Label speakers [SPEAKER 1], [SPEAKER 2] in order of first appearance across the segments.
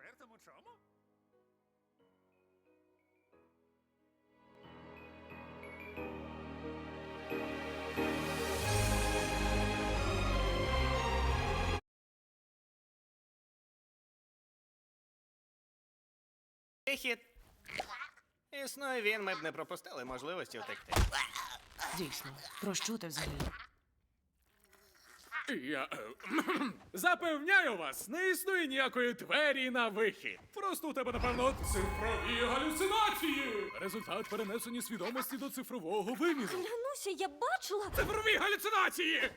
[SPEAKER 1] Четвертому чому?
[SPEAKER 2] Хід. Існує він, ми б не пропустили можливості втекти.
[SPEAKER 3] Дійсно. Про що ти взагалі?
[SPEAKER 1] Я запевняю вас, не існує ніякої двері на вихід. Просто у тебе, напевно, цифрові галюцинації. Результат перенесення свідомості до цифрового виміру.
[SPEAKER 4] Клянуся, я бачила.
[SPEAKER 1] Цифрові галюцинації!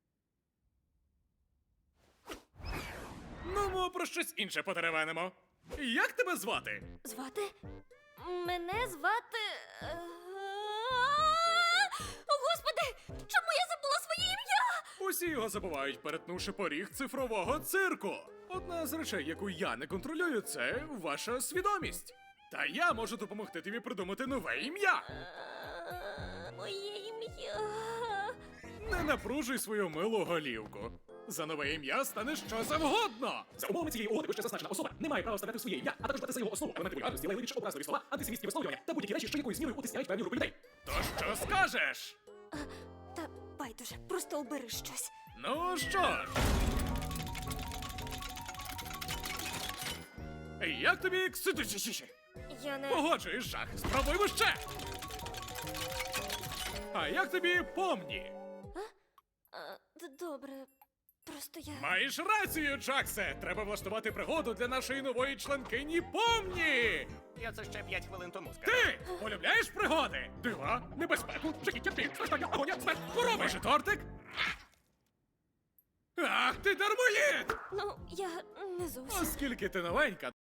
[SPEAKER 1] Ну, ми про щось інше потеревенимо. Як тебе звати?
[SPEAKER 4] Звати? Мене звати. О, Господи! Чому я забула своє ім'я?
[SPEAKER 1] Усі його забувають, перетнувши поріг цифрового цирку. Одна з речей, яку я не контролюю, це ваша свідомість. Та я можу допомогти тобі придумати нове ім'я.
[SPEAKER 4] Моє ім'я.
[SPEAKER 1] Не напружуй свою милу голівку. За нове ім'я стане що завгодно.
[SPEAKER 5] За умовами цієї угоди вище зазначена особа не має права вставляти своє ім'я, а також брати за його основу елементи вульгарності, лайливі, образливі слова, антисемітські висловлювання та будь-які речі, що якоюсь мірою утисняють певні групи людей.
[SPEAKER 1] То що скажеш?
[SPEAKER 4] Та байдуже, просто обери щось.
[SPEAKER 1] Ну що ж. Як тобі
[SPEAKER 4] Я не.
[SPEAKER 1] Погоджуєш, жах. Спробуймо ще. А як тобі помні?
[SPEAKER 4] Добре. Просто я.
[SPEAKER 1] Маєш рацію, Джаксе! Треба влаштувати пригоду для нашої нової членкині Помні!
[SPEAKER 2] Я це ще 5 хвилин тому сказав.
[SPEAKER 1] Ти полюбляєш пригоди? Дива, небезпеку, жахіття, біль, страждання, агонія, смерть, хвороби! Може, тортик? Ах, ти дармоїд!
[SPEAKER 4] Ну, я не зовсім.
[SPEAKER 1] Оскільки ти новенька,